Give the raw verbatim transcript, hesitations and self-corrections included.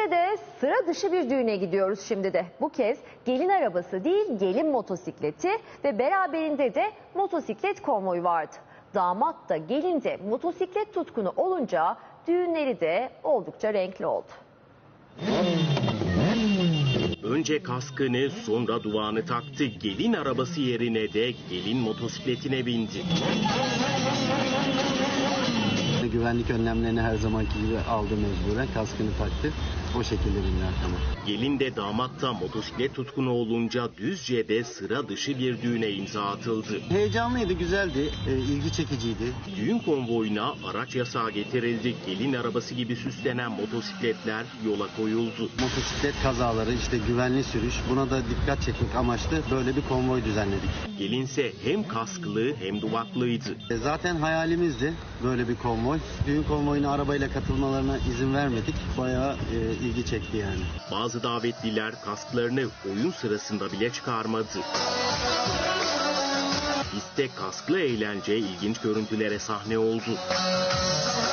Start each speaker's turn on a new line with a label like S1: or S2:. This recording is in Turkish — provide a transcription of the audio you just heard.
S1: Düzce'de sıra dışı bir düğüne gidiyoruz şimdi de. Bu kez gelin arabası değil, gelin motosikleti ve beraberinde de motosiklet konvoyu vardı. Damat da gelin de motosiklet tutkunu olunca düğünleri de oldukça renkli oldu.
S2: Önce kaskını, sonra duvağını taktı. Gelin arabası yerine de gelin motosikletine bindi.
S3: Güvenlik önlemlerini her zamanki gibi aldı mecburen. Kaskını taktı. O şekilde bindi arkama.
S2: Gelin de damat da motosiklet tutkunu olunca Düzce'de sıra dışı bir düğüne imza atıldı.
S3: Heyecanlıydı, güzeldi, e, ilgi çekiciydi.
S2: Düğün konvoyuna araç yasağı getirildi. Gelin arabası gibi süslenen motosikletler yola koyuldu.
S3: Motosiklet kazaları, işte güvenli sürüş, buna da dikkat çekmek amaçlı böyle bir konvoy düzenledik.
S2: Gelinse hem kasklı hem duvaklıydı.
S3: E, zaten hayalimizdi böyle bir konvoy. Düğün konvoyuna arabayla katılmalarına izin vermedik. Bayağı e, ilgi çekti yani.
S2: Bazı davetliler kasklarını oyun sırasında bile çıkarmadı. Pistte kasklı eğlence ilginç görüntülere sahne oldu.